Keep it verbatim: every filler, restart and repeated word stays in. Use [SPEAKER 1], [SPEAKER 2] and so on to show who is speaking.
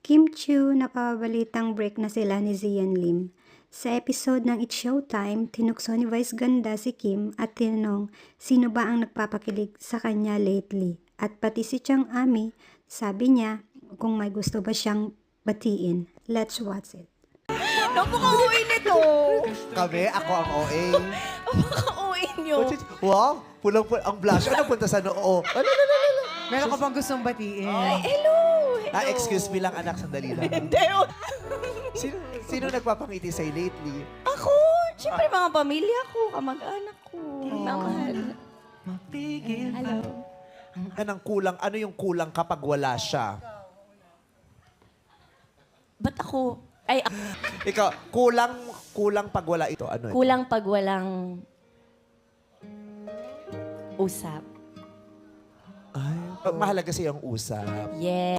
[SPEAKER 1] Kim Chiu, napabalitang break na sila ni Zian Lim. Sa episode ng It's Showtime, tinukso ni Vice Ganda si Kim at tinanong sino ba ang nagpapakilig sa kanya lately. At pati si Chang Ami, sabi niya kung may gusto ba siyang batiin. Let's watch it.
[SPEAKER 2] Napaka-O A nito.
[SPEAKER 3] Kami, ako ang O A.
[SPEAKER 2] Napaka-O A nyo.
[SPEAKER 3] Wow, pulang-pulang. Ang blush. Ano punta sa noo? Ano, ano, ano, ano?
[SPEAKER 4] Meron ka bang gustong batiin?
[SPEAKER 2] Ay, hello. hello.
[SPEAKER 3] Ah, excuse me lang, anak. Sandali lang.
[SPEAKER 2] Hindi. oh.
[SPEAKER 3] Sino, sino nagpapangiti sa'yo lately?
[SPEAKER 2] Ako. Siyempre, mga pamilya ko, kamag-anak ko. Mamahal. Hello.
[SPEAKER 3] Anong kulang? Ano yung kulang kapag wala siya?
[SPEAKER 2] Ba't ako? Ay, ako.
[SPEAKER 3] Ikaw, kulang, kulang pag wala ito. Ano ito?
[SPEAKER 2] Kulang pag walang usap.
[SPEAKER 3] Ay, mahalaga sa'yo ang usap.
[SPEAKER 2] Yeah.